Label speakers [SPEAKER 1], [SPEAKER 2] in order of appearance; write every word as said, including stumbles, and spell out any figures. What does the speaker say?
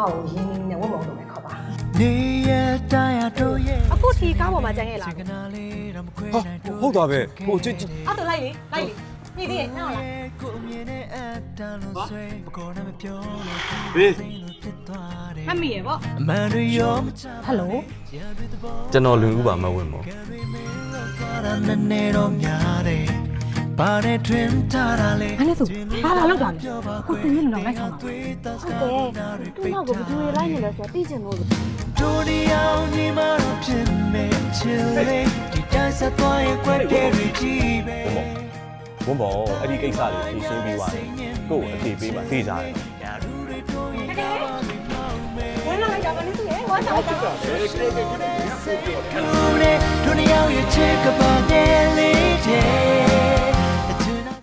[SPEAKER 1] ကိုရင်းနှီးနေဝတ်မောင်းလို့ပဲခေါ်ပါ
[SPEAKER 2] အခုထီကားပေါ်မှာကျန်ခဲ့လား
[SPEAKER 3] ဟာဟုတ်တာပဲဟိုချစ်
[SPEAKER 1] အဲ့တော့လိုက်လေလိုက်လေညီသေးရဲ့နှောက်လား
[SPEAKER 3] ဘေး
[SPEAKER 2] မှတ်မိရပေါ့
[SPEAKER 1] ဟယ်လို
[SPEAKER 3] ကျွန်တော်လွင်ဦးပါမဝင်မော
[SPEAKER 1] ဘာနဲ့ဆိုဘာလာလောက်တာလဲအခုသင်ရင်တော့လိုက်ဆောင်ပါ
[SPEAKER 2] ဟုတ်တယ်သူ့နောက်ကိုဘယ်သူတွေလိုက်နေလဲဆိုတော့သိချင်လို့
[SPEAKER 4] တို့ဒီအောင်ညီမတို့ဖြစ်နေချင်လေဒီတိုင်းဆက်သွားရဲ့ကွက်တဲ့ရီကြီးပဲ
[SPEAKER 3] ဝွန်ဘောအဲ့ဒီကိစ္စလေးဖြေရှင်းပြီးသွားတယ်ကို့အပြေပေးပါသိကြတယ်
[SPEAKER 1] ဝင်လာလိုက်ကြပါနဲ့သူရဲ့ဝါဆောင်လိုက်တာ
[SPEAKER 4] တို့ဒီအောင်ရဲ့ချစ်ကပါတဲ့လေးတဲ့